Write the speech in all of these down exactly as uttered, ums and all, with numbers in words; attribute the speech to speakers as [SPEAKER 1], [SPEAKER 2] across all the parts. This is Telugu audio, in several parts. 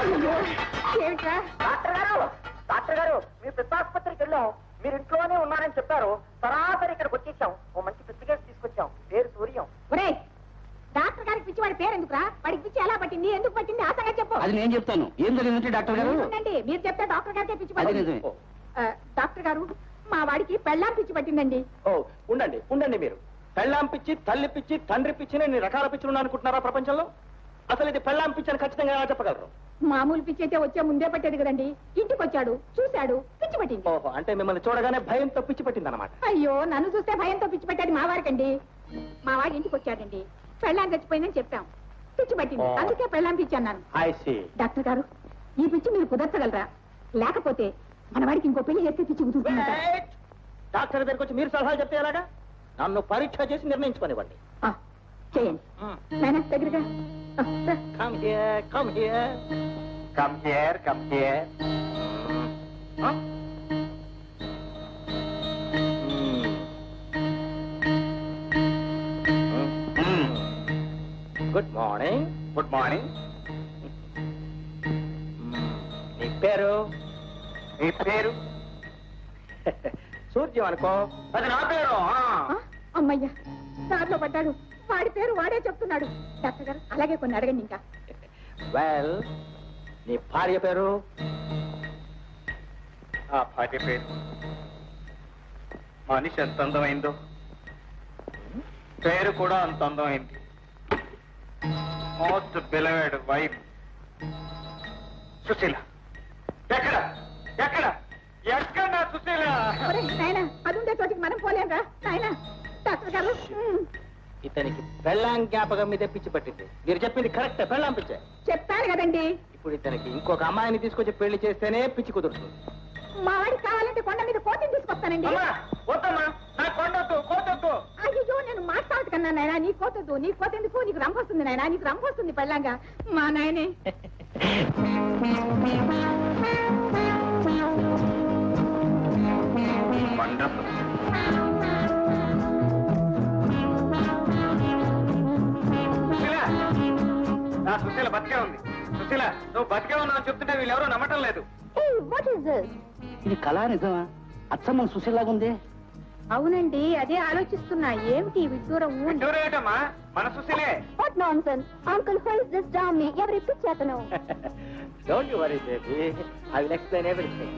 [SPEAKER 1] డాక్టర్ గారు డాక్టర్ గారు మీ పిత్తాసుపత్రికి వెళ్ళాం, మీరు ఇంట్లోనే ఉన్నారని చెప్పారు. సరాసరి ఇక్కడికి వచ్చేసాం. ఓ మంచి పిచ్చి కేసు తీసుకొచ్చాం. పేరు సూర్యం.
[SPEAKER 2] డాక్టర్ గారికి పిచ్చి వాడి పేరు ఎందుకురా? వాడికి పిచ్చి ఎలా పట్టింది, ఎందుకు పట్టింది ఆ సంగతి చెప్పు.
[SPEAKER 3] అది నేను చెప్తాను. ఏం జరిగిందంటే డాక్టర్ గారు,
[SPEAKER 2] మీరు చెప్తే డాక్టర్ గారికే పిచ్చి పట్టింది. డాక్టర్ గారు, మా వాడికి పెళ్ళాం పిచ్చి పట్టిందండి.
[SPEAKER 4] ఓ ఉండండి ఉండండి, మీరు పెళ్ళాం పిచ్చి, తల్లి పిచ్చి, తండ్రి పిచ్చి, నేను రకాల పిచ్చులు ఉన్నా అనుకుంటున్నారా ప్రపంచంలో? అసలు ఇది పెళ్ళాం పిచ్చి అని ఖచ్చితంగా ఎలా చెప్పగలరు?
[SPEAKER 2] మామూలు పిచ్చి అయితే వచ్చే ముందే పట్టేది కదండి. ఇంటికి వచ్చాడు, చూశాడు, పిచ్చి పట్టింది.
[SPEAKER 4] ఓహో, అంటే మిమ్మల్ని చూడగానే భయంతో పిచ్చి పట్టింది అనమాట.
[SPEAKER 2] అయ్యో, నన్ను చూస్తే భయంతో పిచ్చి పట్టేది మా వారికండి. మా వాడి ఇంటికి వచ్చాడండి, పెళ్ళాం చచ్చిపోయిందని చెప్పాం, పిచ్చి పట్టింది. అందుకే పెళ్ళాం పిచ్చి అన్నాను. డాక్టర్ గారు, ఈ పిచ్చి మీరు కుదర్చగలరా? లేకపోతే మన వాడికి ఇంకో పెళ్లి చేస్తే పిచ్చి కుదురుతుంది.
[SPEAKER 4] డాక్టర్ దగ్గరికి వచ్చి మీరు సలహాలు చెప్తే ఎలాగా? నన్ను పరీక్ష చేసి నిర్ణయించుకోనివ్వండి.
[SPEAKER 2] చేయండి నాయనా, దగ్గరగా.
[SPEAKER 4] Come here, come here.
[SPEAKER 1] Come here, come here.
[SPEAKER 4] Huh? Good morning.
[SPEAKER 1] Good morning.
[SPEAKER 4] నీ పేరు?
[SPEAKER 1] మీ పేరు?
[SPEAKER 4] సూర్యం అనుకో.
[SPEAKER 1] అది నా పేరు.
[SPEAKER 2] అమ్మయ్యా, దారిలో పడ్డాడు. వాడి పేరు వాడే చెప్తున్నాడు. డాక్టర్ గారు, అలాగే కొన్ని అడగండి ఇంకా.
[SPEAKER 4] వెల్, నీ భార్య పేరు?
[SPEAKER 1] ఆ భార్య పేరు మనిషి ఎంత అందమైందో పేరు కూడా అంత అందమైంది. Most beloved wife Sushila. ఎక్కడ ఎక్కడ ఎక్కడ నా సుశీల?
[SPEAKER 2] నాయన, అది ఉండే చోటికి మనం పోలేంరా నాయన. డాక్టర్ గారు,
[SPEAKER 4] ఇతనికి పెళ్ళాం జ్ఞాపకం మీద పిచ్చి పట్టింది. మీరు చెప్పింది కరెక్ట్, పెళ్ళాం పిచ్చే
[SPEAKER 2] చెప్పాను కదండి.
[SPEAKER 4] ఇప్పుడు ఇతనికి ఇంకొక అమ్మాయిని తీసుకొచ్చి పెళ్లి చేస్తేనే పిచ్చి కుదురుతుంది.
[SPEAKER 2] మా వాడికి కావాలంటే కొండ మీద కోతిని తీసుకొస్తానండి.
[SPEAKER 1] వద్దమ్మా, నా కొండొద్దు, కోతొద్దు.
[SPEAKER 2] అయ్యో, నేను మాట్లాడదు కన్నా నాయన. నీ కోతొద్దు, నీ కోత ఎందుకు? నీకు రంపు వస్తుంది నాయన, నీకు రంపు వస్తుంది పెళ్ళంగా. మా నాయనే
[SPEAKER 1] నా సుశీల బతికే ఉంది. సుశీల, నువ్వు బతికే ఉన్నావు చెప్తుంటే వీళ్ళెవరూ నమ్మటం లేదు.
[SPEAKER 3] ఇది కళా నిజమా? అచ్చమ్మ సుశీలాగా ఉంది.
[SPEAKER 2] అవునండి, అదే ఆలోచిస్తున్నా. ఏమిటి విడ్డూరం?
[SPEAKER 1] ఏంటమ్మా, మన సుశీలే.
[SPEAKER 2] అంకుల్, ఎవరి పిచ్చేతను?
[SPEAKER 4] Don't you worry baby, I will explain everything.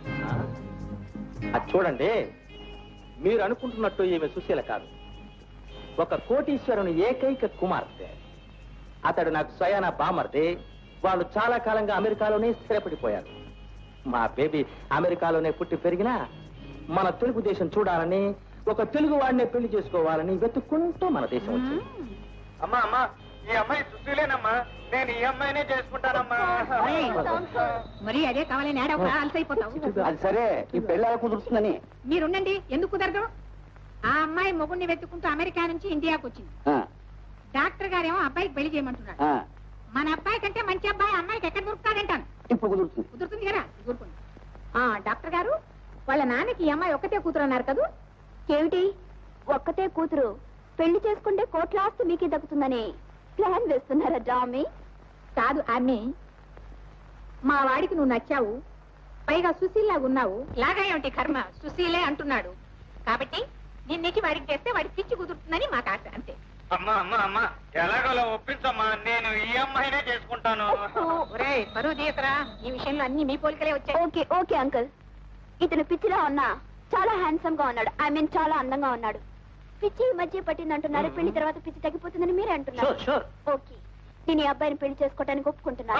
[SPEAKER 4] అది చూడండి, మీరు అనుకుంటున్నట్టు ఈమె సుశీల కాదు. ఒక కోటీశ్వరుని ఏకైక కుమార్తె. అతడు నాకు స్వయాన బామర్ది. వాళ్ళు చాలా కాలంగా అమెరికాలోనే స్థిరపడిపోయారు. మా బేబీ అమెరికాలోనే పుట్టి పెరిగినా మన తెలుగు దేశం చూడాలని, ఒక తెలుగు వాడినే పెళ్లి చేసుకోవాలని వెతుక్కుంటూ మన దేశం వచ్చింది.
[SPEAKER 1] అమ్మా అమ్మా, ఈ అమ్మాయి సుశీలేనమ్మా. నేను ఈ అమ్మాయినే చేసుకుంటానమ్మా.
[SPEAKER 2] మరి అదే కావాలని అలసైపోతావు.
[SPEAKER 3] అది సరే, ఈ పెళ్లి ఎలా కుదురుతుందని.
[SPEAKER 2] మీరుండండి, ఎందుకు కుదరదు? ఆ అమ్మాయి మొగుడిని వెతుక్కుంటూ అమెరికా నుంచి ఇండియాకు వచ్చింది. డాక్టర్ గారేమో అబ్బాయికి పెళ్లి చేయమంటున్నాడు. మన అబ్బాయి కంటే మంచి అబ్బాయి అమ్మాయికి ఎక్కడ దొరుకుతాడంటాను.
[SPEAKER 3] ఇప్పుడు కుదురుతుంది.
[SPEAKER 2] కుదురుతుంది కదా, ఊరుకోండి. డాక్టర్ గారు, వాళ్ళ నాన్నకి ఈ అమ్మాయి ఒక్కతే కూతురు అన్నారు కదా?
[SPEAKER 5] ఏమిటి ఒక్కతే కూతురు? పెళ్లి చేసుకుంటే కోట్ల ఆస్తి మీకే దక్కుతుందని ప్లాన్ వేస్తున్నారా డామీ?
[SPEAKER 2] కాదు అమ్మి, మా వాడికి నువ్వు నచ్చావు, పైగా సుశీల్లాగా ఉన్నావు. లాగా ఏమిటి కర్మ, సుశీలే అంటున్నాడు కాబట్టి నిన్నకి వాడికి చేస్తే వాడికి పిచ్చి కుదురుతుందని మాకు ఆశ, అంతే.
[SPEAKER 1] అమ్మా అమ్మా అమ్మా, ఎలాగోలా ఒప్పించమ్మా. నేను ఈ అమ్మాయినే చేసుకుంటాను.
[SPEAKER 2] పరువు తీయతరా, ఈ విషయంలో అన్ని మీ పోలికలే వచ్చాయి.
[SPEAKER 5] ఓకే ఓకే అంకుల్, ఇతను పిచ్చిలా ఉన్నా చాలా హ్యాండ్సమ్ గా ఉన్నాడు. ఐ మీన్ చాలా అందంగా ఉన్నాడు. పిచ్చి ఈ మధ్య పట్టింది అంటున్నారు. పెళ్లి తర్వాత పిచ్చి తగ్గిపోతుందని మీరే అంటున్నారు. ఓకే, నేను ఈ అబ్బాయిని పెళ్లి చేసుకోవడానికి ఒప్పుకుంటున్నాను.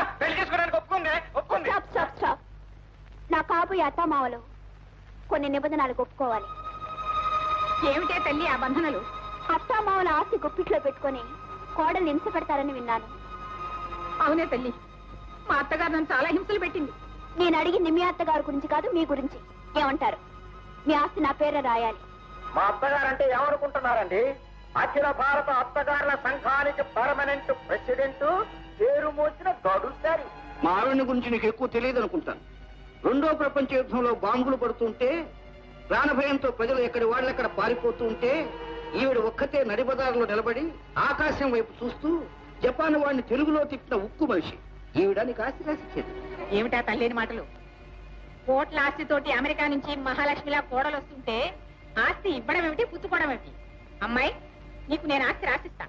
[SPEAKER 5] Stop stop stop. నా కాబోయే అత్తామావలు కొన్ని నిబంధనలకు ఒప్పుకోవాలి.
[SPEAKER 2] ఏమిటే తల్లి ఆ బంధనలు?
[SPEAKER 5] అత్తామావల ఆస్తి గుప్పిట్లో పెట్టుకుని కోడల్ని హింస పెడతారని విన్నాను.
[SPEAKER 2] అవునే తల్లి, మా అత్తగారు నన్ను చాలా హింసలు పెట్టింది.
[SPEAKER 5] నేను అడిగింది మీ అత్తగారి గురించి కాదు, మీ గురించి. ఏమంటారు? మీ ఆస్తి నా పేర రాయాలి.
[SPEAKER 1] మా అత్తగారంటే ఏమనుకుంటున్నారండి? అఖిల భారత అత్తగారుల సంఘానికి పర్మనెంట్ ప్రెసిడెంట్, పేరు మోసిన గడుసారి.
[SPEAKER 3] మా ఆవిడ గురించి నీకు ఎక్కువ తెలియదు అనుకుంటాను. రెండో ప్రపంచ యుద్ధంలో బాంబులు పడుతుంటే ప్రాణభయంతో ప్రజలు ఎక్కడి వాళ్ళెక్కడ పారిపోతూ ఉంటే ఈవిడ ఒక్కతే నడిబజారులో నిలబడి ఆకాశం వైపు చూస్తూ జపాన్ వాడిని తెలుగులో తిప్పిన ఉక్కు మనిషి. ఈవిడ నీకు ఆస్తి రాసిచ్చేది.
[SPEAKER 2] ఏమిటా తల్లేని మాటలు? కోట్ల ఆస్తితోటి అమెరికా నుంచి మహాలక్ష్మిలా కోడలు వస్తుంటే ఆస్తి ఇవ్వడం ఏమిటి, పుచ్చుకోవడం ఏమిటి? అమ్మాయి, నీకు నేను ఆస్తి రాసిస్తా.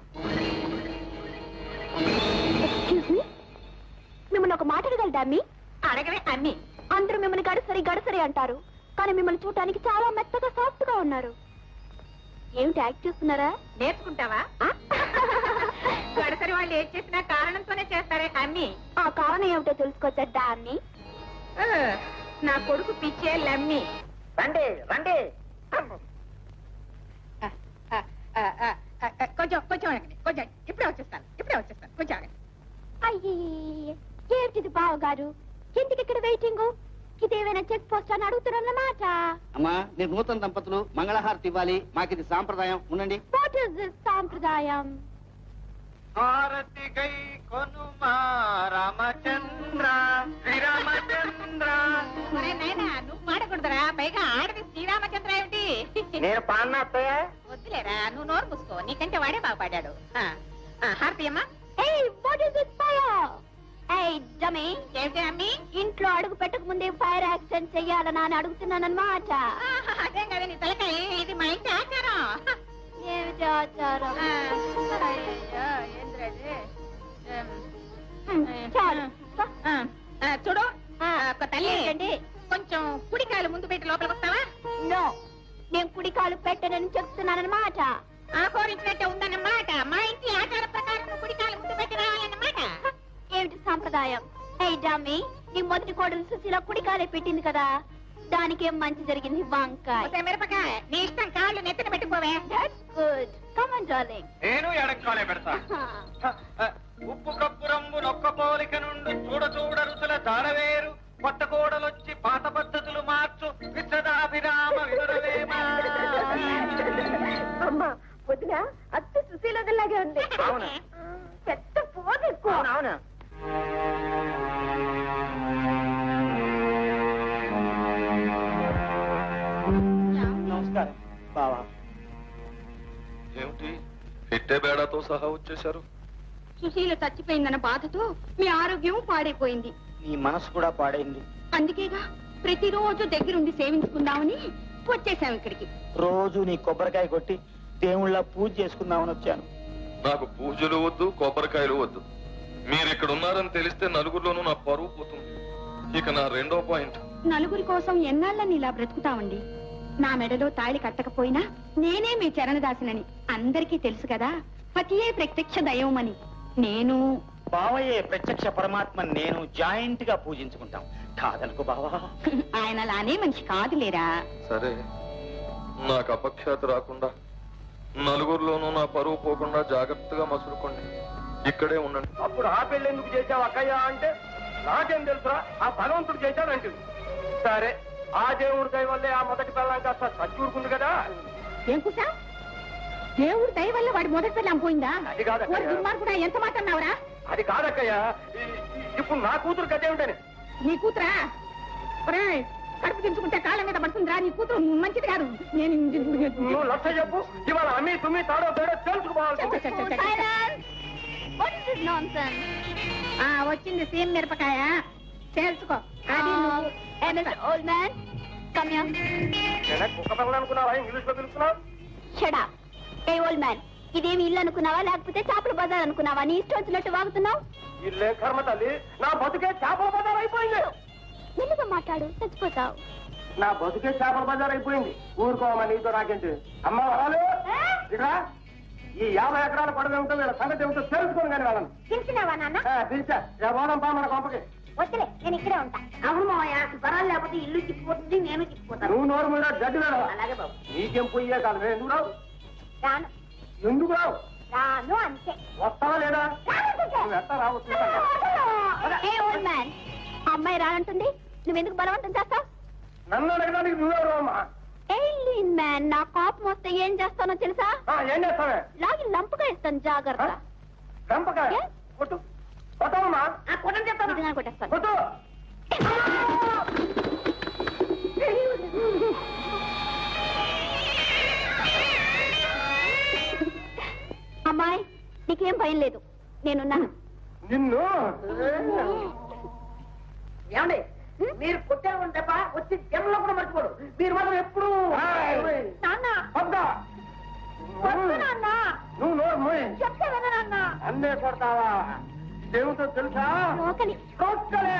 [SPEAKER 5] ఎక్స్క్యూజ్ మీ, మిమ్మల్ని ఒక మాట అడగలదా అమ్మి?
[SPEAKER 2] అడగవే అన్ని.
[SPEAKER 5] అందరూ మిమ్మల్ని గడసరి గడసరి అంటారు, కానీ మిమ్మల్ని చూడటానికి చాలా మెత్తగా సాఫ్ట్ గా ఉన్నారు. ఏమిటి యాక్ట్ చేస్తున్నారా?
[SPEAKER 2] నేర్చుకుంటావా? గడసరి వాళ్ళు ఏం చేసినా కారణంతోనే చేస్తారే అన్ని.
[SPEAKER 5] ఆ కారణం ఏమిటో తెలుసుకోవచ్చా అమ్మి?
[SPEAKER 2] ఆ, నా కొడుకు పిచ్చే లమ్మి.
[SPEAKER 1] రండి రండి.
[SPEAKER 2] ఆ, ఆ, ఆ, ఆ, ఆ, కొంచెం కొంచెం ఆగండి, కొంచెం ఇప్పుడే వచ్చేస్తాను ఇప్పుడే వచ్చేస్తాను కొంచెం ఆగండి.
[SPEAKER 5] అయ్యే, ఏమిటిది బావగారు? ఎందుకు ఇక్కడ వెయిటింగ్? ఇదేమైనా చెక్ పోస్ట్ అని అడుగుతున్నారన్నమాట.
[SPEAKER 3] అమ్మా, మీరు నూతన దంపతులు మంగళహారతి ఇవ్వాలి. మాకిది సాంప్రదాయం. ఉండండి.
[SPEAKER 5] వాట్ ఇస్ దిస్ సాంప్రదాయం?
[SPEAKER 4] హారతి గై కొనుమా రామచంద్ర శ్రీరామచంద్ర.
[SPEAKER 2] ఒరే నాయనా, నువ్వు పాడకూడదురా, పైగా ఆడది శ్రీరామచంద్ర ఏమిటి?
[SPEAKER 1] నేను పాడిన అత్తయ్య.
[SPEAKER 2] వద్దులేరా, నువ్వు నోరు మూసుకో, నీకంటే వాడే బాగా పాడాడు. ఆ, ఆ, హారతి అమ్మా.
[SPEAKER 5] Hey, what is this fire? Hey, dummy.
[SPEAKER 2] ఏమిటి అమ్మి?
[SPEAKER 5] ఇంట్లో అడుగు పెట్టక ముందే ఫైర్ యాక్సిడెంట్ చెయ్యాలని అని అడుగుతున్నానన్నమాట.
[SPEAKER 2] ఆహా, అదేం కదా నీ తలకాయ, ఇది మా ఇంటి ఆచారం.
[SPEAKER 5] ఏమిటి ఆచారం?
[SPEAKER 2] ఆ, అయ్యో, ఏంద్రది?
[SPEAKER 5] హ్మ్, చాలు.
[SPEAKER 2] ఆ, ఆ, చూడు,
[SPEAKER 5] ఆ,
[SPEAKER 2] ఒక తల్లి
[SPEAKER 5] ఏంటండి?
[SPEAKER 2] కొంచెం కుడికాయలు ముందు పెట్టి లోపలికి వస్తావా?
[SPEAKER 5] No, నేను కుడి కాలు పెట్టనని చెప్తున్నానన్నమాట.
[SPEAKER 2] ఆహోరించినట్టే ఉందన్నమాట. మా ఇంటి ఆచార ప్రకారం నువ్వు కుడికాయలు ముందు పెట్టి రావాలన్నమాట.
[SPEAKER 5] ఏమిటి సాంప్రదాయం? Hey, dummy, నీ మొదటి కోడలు సుశీల కుడి కాలే పెట్టింది కదా, దానికేం మంచి జరిగింది? వంకాయ.
[SPEAKER 2] ఒసే మిరపకాయ, నీ ఇష్టం, కాళ్ళు నెత్తిన పెట్టుకోవే.
[SPEAKER 5] That's good. Come on, darling.
[SPEAKER 4] నేను ఎడంకాలే పెడతా. ఉప్పు కప్పు రంగు నొక్క పోలిక నుండి చూడ చూడ రుచుల దాడవేరు. కొత్త కోడలొచ్చి పాత పద్ధతులు మార్చు విశ్వదాభిరామ వివరవేమా.
[SPEAKER 5] అమ్మా, వదిన అత్త సుశీలలాగే ఉంది.
[SPEAKER 1] అవును.
[SPEAKER 5] పెద్ద పోదు ఎక్కువ.
[SPEAKER 1] అవును.
[SPEAKER 4] నమస్కారం బావా.
[SPEAKER 6] ఏమిటి ఇట్టే బేడాతో సహా వచ్చేశారు?
[SPEAKER 2] సుశీల చచ్చిపోయిందన్న బాధతో మీ ఆరోగ్యం పాడైపోయింది.
[SPEAKER 4] నీ మనసు కూడా పాడైంది.
[SPEAKER 2] అందుకేగా ప్రతిరోజు దగ్గరుండి సేవించుకుందామని వచ్చేసాం ఇక్కడికి.
[SPEAKER 4] రోజు నీ కొబ్బరికాయ కొట్టి దేవుళ్ళ పూజ చేసుకుందామని వచ్చాను.
[SPEAKER 6] నాకు పూజలు వద్దు, కొబ్బరికాయలు వద్దు. మీరు ఇక్కడ ఉన్నారని తెలిస్తే నలుగురిలోనూ నా పరువు పోతుంది. ఇక నా రెండో పాయింట్,
[SPEAKER 2] నలుగురి కోసం ఎన్నాళ్ళని ఇలా బ్రతుకుతామండి. నా మెడలో తాళి కట్టకపోయినా నేనే మీ చరణదాసినని అందరికీ తెలుసు కదా. పతియే ప్రత్యక్ష దైవమని. నేను
[SPEAKER 4] బావయ్యే ప్రత్యక్ష పరమాత్మ నేను జాయింట్ గా పూజించుకుంటాం. కాదనుకో బావా.
[SPEAKER 2] ఆయన అలానే మనిషి కాదులేరా.
[SPEAKER 6] సరే, నాకు అపఖ్యాతి రాకుండా నలుగురిలోనూ నా పరువు పోకుండా జాగ్రత్తగా మసులుకోండి. ఇక్కడే ఉండండి.
[SPEAKER 1] అప్పుడు ఆ పెళ్లి ఎందుకు చేసావు అక్కయ్య అంటే, నాకేం తెలుసురా, ఆ భగవంతుడు చేశాడంటే. సరే, ఆ దేవుడి దయ వల్లే ఆ మొదటి పిల్లం కాస్త చచ్చూరుకుంది కదా.
[SPEAKER 2] ఏం కూసా? దేవుడు దయ వల్ల వాడి మొదటి పిల్లం పోయిందా?
[SPEAKER 1] అది కాదక్కయ్య.
[SPEAKER 2] ఓ దుర్మార్గుడా, ఎంత మాట్లాడినావురా?
[SPEAKER 1] అది కాదక్కయ్య, ఈ- ఈ- ఇప్పుడు నా కూతురు గదే ఉంటాను.
[SPEAKER 2] నీ కూతురా? ఒరేయ్, కడుపు తెంచుకుంటే కాళ్ళ మీద పడుతుందిరా. నీ కూతురు మంచిది కాదు. నేను
[SPEAKER 1] నువ్వు లక్ష చెప్పు, ఇవాళ అమ్మి తుమ్మి తాడో తేడో తెలుసుకోవాలి.
[SPEAKER 5] Silence! What is this nonsense?
[SPEAKER 2] ఆ, వచ్చింది సీమ్ మిరపకాయ, చేల్చుకో. అది
[SPEAKER 5] Um,
[SPEAKER 2] నువ్వు.
[SPEAKER 5] hey, Mister Old Man, come here.
[SPEAKER 1] నేనే కుక్క పిల్లలు అనుకున్నావా? ఇంగ్లీష్ లో పిలుస్తున్నావు.
[SPEAKER 5] Shut up. Hey, old man, ఇదేమి ఇల్లు అనుకున్నావా లేకపోతే చేపల బజార్ అనుకున్నావా? నీ ఇష్టం వచ్చినట్టు వాగుతున్నావు.
[SPEAKER 1] ఇల్లే కర్మ తల్లి, నా బతుకే చేపల బజార్ అయిపోయింది.
[SPEAKER 5] మెల్లిగా మాట్లాడు, చచ్చిపోతావు.
[SPEAKER 1] నా బతుకే చేపల బజార్ అయిపోయింది. ఊరుకోమా, నీతో నాకేంటి. అమ్మ వరాలు, ఇక్కడ ఈ యాభై ఎకరాల పడవ ఏమిటో వీళ్ళ సంగతి ఏమిటో తెలుసుకుని కానీ వాళ్ళని
[SPEAKER 5] తెలిసినావా నాన్న?
[SPEAKER 1] పిలిచా పోదాం పా మన కొంపకి.
[SPEAKER 5] వద్దులే, నేను ఇక్కడే ఉంటా. అవును మావయ్య, వరాలు లేకపోతే ఇల్లు చిక్కిపోతుంది, నేను చిక్కిపోతాను.
[SPEAKER 1] నువ్వు నోరు మీద గడ్డి వేడవా?
[SPEAKER 5] అలాగే బాబు.
[SPEAKER 1] నీకేం పోయే కాదు. ఎందుకు రావు?
[SPEAKER 5] రాను
[SPEAKER 1] ఎందుకు రావు?
[SPEAKER 5] రాను అంతే.
[SPEAKER 1] వస్తావా లేదా?
[SPEAKER 5] రానుకుంటే.
[SPEAKER 1] నువ్వు ఎట్టా రావచ్చు?
[SPEAKER 5] Hey, old man, ఆ అమ్మాయి రానంటుంది, నువ్వెందుకు బలవంతం చేస్తావు?
[SPEAKER 1] నన్ను అడగడానికి నువ్వెవరు అమ్మా?
[SPEAKER 5] ఎయిలీన్ మ్యాన్, నా కోపం వస్తే ఏం చేస్తానో తెలుసా?
[SPEAKER 1] ఆ, ఏం చేస్తావే?
[SPEAKER 5] లాగి లంపుగా ఇస్తాను, జాగ్రత్త.
[SPEAKER 1] చంపకాయ
[SPEAKER 5] ఏ?
[SPEAKER 1] కొట్టు, కొట్టవమ్మా. కొట్టని చెప్తాను,
[SPEAKER 5] నిజంగా కొట్టేస్తాను.
[SPEAKER 1] కొట్టు.
[SPEAKER 5] అమ్మాయి, నీకేం భయం లేదు, నేనున్నాను.
[SPEAKER 1] నిన్ను
[SPEAKER 7] ఏమండి మీరు కొట్టారు తప్ప వచ్చి జనంలో కూడా మర్చిపోడు. మీరు మాత్రం ఎప్పుడు
[SPEAKER 1] నువ్వు నోరు మోయ్.
[SPEAKER 2] చెప్తావా నాన్న?
[SPEAKER 1] అన్నే కొడతావా? దేవుతో తెలుసా?
[SPEAKER 2] రోకలి.
[SPEAKER 1] రోకలే.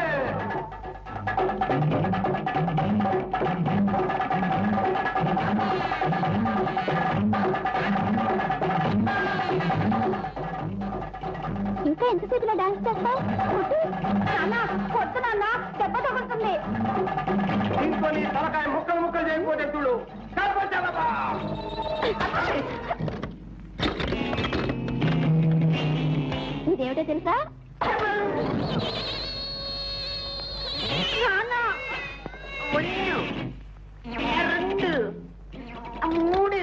[SPEAKER 5] ఇంకా ఎంతసేపులో డాన్స్ చేస్తావు? నాన్న కొట్టు నాన్న, దెబ్బ తగులుతుంది.
[SPEAKER 1] ఇంకో నీ తలకాయ ముక్కలు ముక్కలు చేయకపోతే చూడు. కలపచ్చాలబ్బా.
[SPEAKER 5] ఇదేమిటో తెలుసా? నాన్న
[SPEAKER 7] రెండు మూడు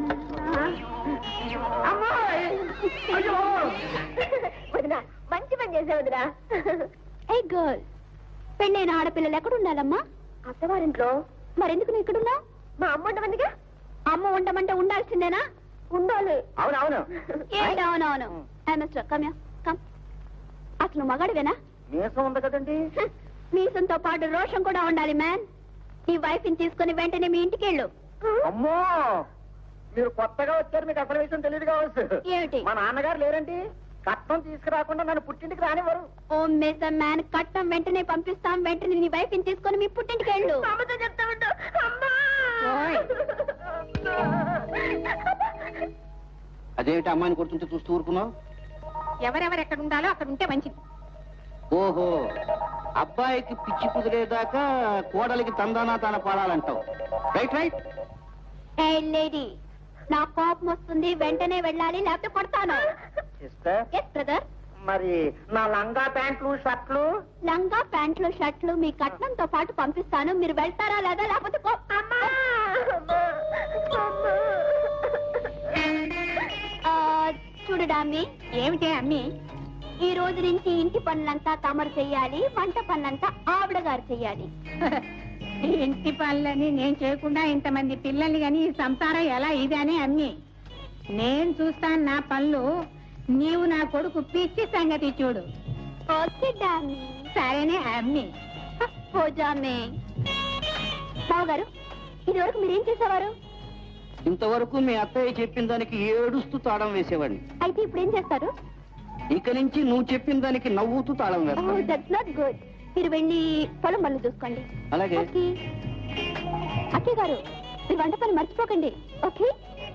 [SPEAKER 7] అమ్మాయి
[SPEAKER 1] అయ్యో
[SPEAKER 5] వదినా, మంచి పని చేసే వదినా. ఏ గర్ల్, పెళ్ళైన ఆడపిల్లలు ఎక్కడ ఉండాలమ్మా? అత్తవారింట్లో. మరెందుకు నువ్వు ఇక్కడున్నా? మా అమ్మ ఉండమందిగా. అమ్మ ఉండమంటే ఉండాల్సిందేనా? ఉండాలి.
[SPEAKER 1] అవునవును.
[SPEAKER 5] అవునవును. Come come. అసలు మగాడివేనా?
[SPEAKER 1] మీసం ఉంది కదండి.
[SPEAKER 5] మీసంతో పాటు రోషం కూడా ఉండాలి మ్యాన్. నీ వైఫ్ ని తీసుకుని వెంటనే మీ ఇంటికి వెళ్ళు.
[SPEAKER 1] అమ్మో, మీరు కొత్తగా వచ్చారు, మీకు అసలు విషయం తెలియదు కావచ్చు.
[SPEAKER 5] ఏమిటి?
[SPEAKER 1] మా నాన్నగారు లేరండి. కట్నం తీసుకురాకుండా నన్ను పుట్టింటికి రానివ్వరు.
[SPEAKER 5] ఓ మిస్టర్ మ్యాన్, కట్టం వెంటనే పంపిస్తాం. వెంటనే నీ వైఫ్ ని తీసుకొని మీ పుట్టింటికి వెళ్ళు.
[SPEAKER 7] అమ్మతో చెప్తా ఉంటా.
[SPEAKER 2] ఓయ్.
[SPEAKER 3] అదేమిటి అమ్మాయిని కొడుతుంటే చూస్తూ ఊరుకున్నావు?
[SPEAKER 2] ఎవరెవరు ఎక్కడ ఉండాలో అక్కడ ఉంటే మంచిది.
[SPEAKER 3] ఓహో, అబ్బాయికి పిచ్చి కుదిరేదాకా కోడలికి తందానా తాన పాడాలంటావు. Right right.
[SPEAKER 5] ఏ లేడీ, నా కోపం వస్తుంది, వెంటనే వెళ్ళాలి, లేకపోతే కొడతాను.
[SPEAKER 1] Sister,
[SPEAKER 5] yes brother.
[SPEAKER 1] మరి నా లంగా ప్యాంట్లు షర్ట్లు
[SPEAKER 5] లంగా ప్యాంట్లు షర్ట్లు మీ కట్నంతో పాటు పంపిస్తాను. మీరు వెళ్తారా లేదా? లేకపోతే కో- ఆ, చూడు డామ్మి,
[SPEAKER 2] ఏమిటే అమ్మి?
[SPEAKER 5] ఈ రోజు నుంచి ఇంటి పనులంతా తమరు చెయ్యాలి, వంట పనులంతా ఆవిడ గారు చెయ్యాలి.
[SPEAKER 2] ఇంటి పనులని నేను చేయకుండా ఇంతమంది పిల్లల్ని గాని ఈ సంసారం ఎలా ఇది అని అమ్మి. నేను చూస్తాను నా పనులు, నీవు నా కొడుకు పిచ్చి సంగతి చూడు.
[SPEAKER 5] ఓకే డామ్మి.
[SPEAKER 2] సరేనే అమ్మి.
[SPEAKER 5] పోజామే. బావగారు, ఇది వరకు మీరేం చేసేవారు?
[SPEAKER 3] ఇంతవరకు మీ అత్తయ్య చెప్పిన దానికి ఏడుస్తూ తాళం వేసేవాడిని.
[SPEAKER 5] అయితే ఇప్పుడు ఏం చేస్తారు?
[SPEAKER 3] ఇక నుంచి నువ్వు చెప్పిన దానికి నవ్వుతూ తాళం వేస్తాను.
[SPEAKER 5] That's not good. మీరు వెళ్ళి పొలం పనులు చూసుకోండి.
[SPEAKER 3] అలాగే.
[SPEAKER 5] ఓకే. అక్కయ్య గారు, మీరు వంట పని మర్చిపోకండి. ఓకే.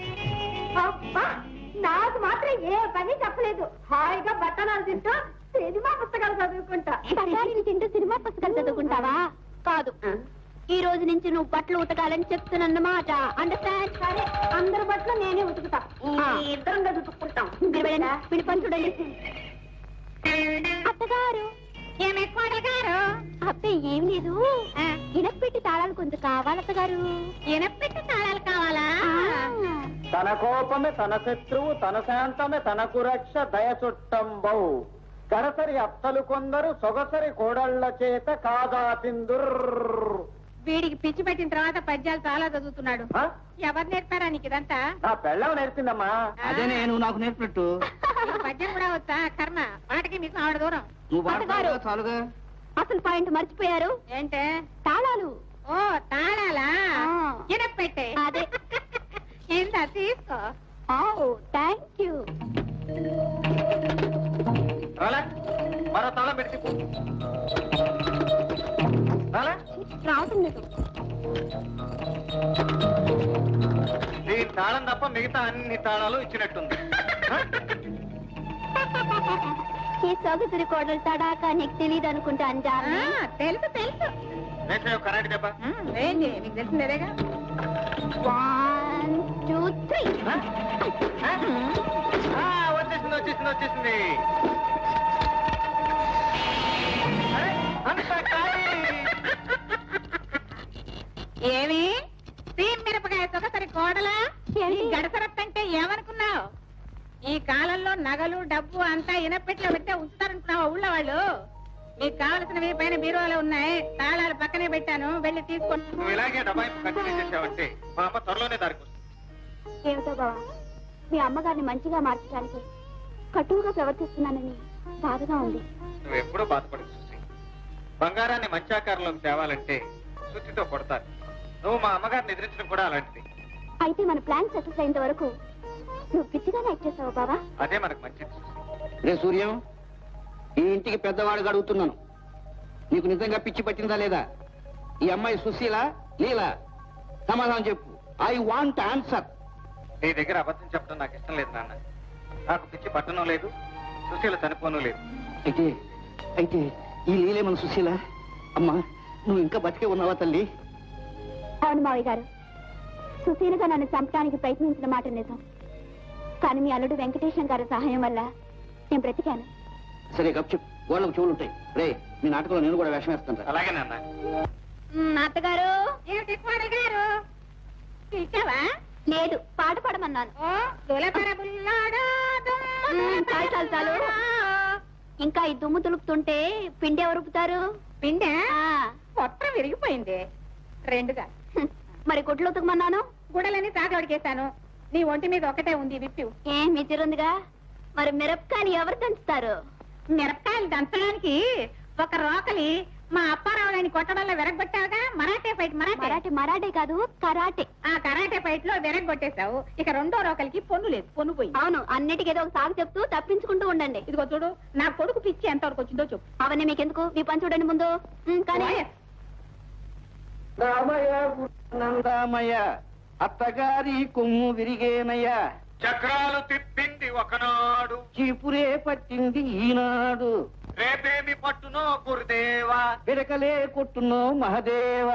[SPEAKER 5] నాకు మాత్రం ఏ పని చెప్పలేదు. హాయిగా బట్టలు తింటూ సినిమా పుస్తకాలు చదువుకుంటా. బఠానీలు తింటూ సినిమా పుస్తకాలు చదువుకుంటావా? కాదు, ఈ రోజు నుంచి నువ్వు బట్టలు ఉతకాలని చెప్తున్నమాట. అండర్స్టాండ్? సరే, అందరి బట్టలు నేనే ఉతుకుతా.
[SPEAKER 7] ఇద్దరం కలిసి ఉతుక్కుంటాం.
[SPEAKER 5] మీరు వెళ్ళండి, వీడి పని చూడండి. అత్తగారు,
[SPEAKER 2] ఏమే కోడలు గారు?
[SPEAKER 5] అబ్బే ఏం లేదు, ఇనపెట్టి తాళాలు కొంచెం కావాలి అత్తగారు.
[SPEAKER 2] ఎనపెట్టి తాళాలు కావాలా?
[SPEAKER 1] తన కోపమే తన శత్రువు, తన శాంతమే తనకు రక్ష, దయ చుట్టంబౌ. గడసరి అత్తలు కొందరు సొగసరి కోడళ్ల చేత కాదా పిందుర్.
[SPEAKER 2] వీడికి పిచ్చి పెట్టిన తర్వాత పద్యాలు చాలా చదువుతున్నాడు. ఎవరు నేర్పారా నీకు ఇదంతా?
[SPEAKER 1] నా పెళ్ళం నేర్పిందమ్మా.
[SPEAKER 3] అదే నేను నాకు నేర్పినట్టు.
[SPEAKER 2] నీకు పద్యం కూడా వచ్చా? కర్మ, మాటకి మీకు ఆవిడ దూరం.
[SPEAKER 3] నువ్వు వాడతావుగా, చాలుగా.
[SPEAKER 5] అసలు పాయింట్ మర్చిపోయారు.
[SPEAKER 2] ఏంటే?
[SPEAKER 5] తాళాలు.
[SPEAKER 2] ఓ తాళాలా?
[SPEAKER 5] ఆ.
[SPEAKER 2] ఎనపెట్టే.
[SPEAKER 5] అదే.
[SPEAKER 2] ఇందా తీసుకో.
[SPEAKER 5] Oh thank you.
[SPEAKER 1] మరో తాళం పెట్టి
[SPEAKER 5] రావటం లేదు.
[SPEAKER 1] నీ తాళం తప్ప మిగతా అన్ని తాళాలు ఇచ్చినట్టుంది.
[SPEAKER 5] ఈ సొగసురి కోడలు తడాకా నీకు తెలియదు అనుకుంటా అంజా.
[SPEAKER 2] ఆ, తెలుసు తెలుసు.
[SPEAKER 1] కరెంట్ దెబ్బ.
[SPEAKER 2] ఉమ్, ఏంటి మీకు తెలిసిందేగా?
[SPEAKER 5] One two three.
[SPEAKER 1] వచ్చేసింది వచ్చేసింది వచ్చేసింది.
[SPEAKER 2] ఏమి సీమ్ మిరపకాయ సొగసరి కోడలా? గడసరత్తంటే ఏమనుకున్నావు? ఈ కాలంలో నగలు డబ్బు అంతా ఇనపెట్లో పెట్టే ఉంచుతారనుకున్నావా ఊళ్ళో వాళ్ళు? మీకు కావలసినవి పైన బీరువాలో ఉన్నాయి, తాళాలు పక్కనే పెట్టాను, వెళ్ళి తీసుకొని.
[SPEAKER 1] నువ్వు ఇలాగే డబ్బాయి కంటిన్యూ చేసావంటే మా అమ్మ త్వరలోనే దారికి వస్తుంది.
[SPEAKER 5] ఏమిటో బావా, మీ అమ్మగారిని మంచిగా మార్చడానికి కటువుగా ప్రవర్తిస్తున్నానని బాధగా ఉంది.
[SPEAKER 1] నువ్వు ఎప్పుడూ బాధపడదు సుశీ. బంగారాన్ని మంచి ఆకారంలోకి తేవాలంటే సుత్తితో కొడతారు. నువ్వు మా అమ్మగారిని ఎదిరించడం కూడా అలాంటిది.
[SPEAKER 5] అయితే మన ప్లాన్ సక్సెస్ అయినంత వరకు నువ్వు పిచ్చిగానే యాక్ట్ చేసావు బావా.
[SPEAKER 1] అదే మనకు మంచిది సుశీ.
[SPEAKER 3] రే సూర్యం, ఈ ఇంటికి పెద్దవాడుగా అడుగుతున్నాను, నీకు నిజంగా పిచ్చి పట్టిందా లేదా? ఈ అమ్మాయి సుశీల లీలా? సమాధానం చెప్పు. I want answer.
[SPEAKER 1] నీ దగ్గర అబద్ధం చెప్పడం నాకు ఇష్టం లేదు నాన్న. నాకు పిచ్చి పట్టణం లేదు, సుశీల చనిపోను లేదు.
[SPEAKER 3] అయితే అయితే ఈ లీలే మన సుశీల? అమ్మా, నువ్వు ఇంకా బతికే ఉన్నావా తల్లి?
[SPEAKER 5] అవును మావయ్య గారు, సుశీలగా నన్ను చంపడానికి ప్రయత్నించిన మాట నిజం. కానీ మీ అల్లుడు వెంకటేశం గారి సహాయం వల్ల నేను బ్రతికాను.
[SPEAKER 3] సరే గప్చు, వాళ్ళకు చెవులుంటాయి. రే, మీ నాటకంలో నేను కూడా వేషం వేస్తాను.
[SPEAKER 1] అలాగే నాన్న.
[SPEAKER 5] అత్తగారు
[SPEAKER 2] ఏమిటి కోడలు గారు పిలిచావా?
[SPEAKER 5] లేదు, పాట పాడమన్నాను.
[SPEAKER 2] ఓ దులపర బుల్లాడా దుమ్ము
[SPEAKER 5] మ్మ్, చాలు చాలు చాలు. ఇంకా ఈ దుమ్ము తులుపుతుంటే పిండి ఎవరు రుపుతారు?
[SPEAKER 2] పిండా
[SPEAKER 5] ఆ,
[SPEAKER 2] పొట్ట విరిగిపోయింది రెండుగా.
[SPEAKER 5] హ్మ్. మరి గుడ్లు ఉతకమన్నాను.
[SPEAKER 2] గుడలని తాగడికేశాను. నీ ఒంటి మీద ఒకటే ఉంది విప్పి.
[SPEAKER 5] ఏం మితిరుందిగా. మరి మిరపకాయలు ఎవరు దంచుతారు?
[SPEAKER 2] మిరపకాయలు దంచడానికి ఒక రోకలి మా అప్పారావులని కొట్టడంలో విరగొట్టావుగా. మరాఠే ఫైట్ మరాఠే
[SPEAKER 5] మరాఠీ మరాఠే కాదు, కరాటే.
[SPEAKER 2] ఆ కరాటే ఫైట్ లో విరగొట్టేశావు. ఇక రెండో రోకలికి పొన్ను లేదు, పొన్ను పోయి.
[SPEAKER 5] అవును, అన్నిటికీ ఏదో ఒక సాగు చెప్తూ తప్పించుకుంటూ ఉండండి.
[SPEAKER 2] ఇదిగో చూడు, నా కొడుకు పిచ్చి ఎంతవరకు వచ్చిందో చెప్పు.
[SPEAKER 5] అవన్నీ మీకెందుకు? మీ పని చూడండి ముందు. మ్మ్, కానీ
[SPEAKER 3] నందామయ్య, అత్తగారి కొమ్ము విరిగేనయ్యా,
[SPEAKER 1] చక్రాలు తిప్పింది ఒకనాడు,
[SPEAKER 3] చీపురే పట్టింది ఈనాడు,
[SPEAKER 1] రేపేమి పట్టునో గురుదేవా.
[SPEAKER 3] పిడకలే కొట్టునో మహదేవ.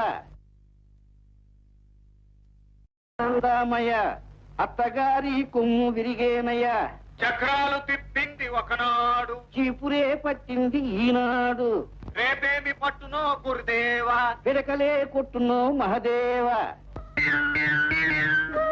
[SPEAKER 3] నందామయ్య, అత్తగారి కొమ్ము విరిగేనయ్యా,
[SPEAKER 1] చక్రాలు తిప్పింది ఒకనాడు,
[SPEAKER 3] చీపురే పట్టింది ఈనాడు,
[SPEAKER 1] రేపేమి పట్టునో గురుదేవా.
[SPEAKER 3] పిడకలే కొట్టునో మహదేవ.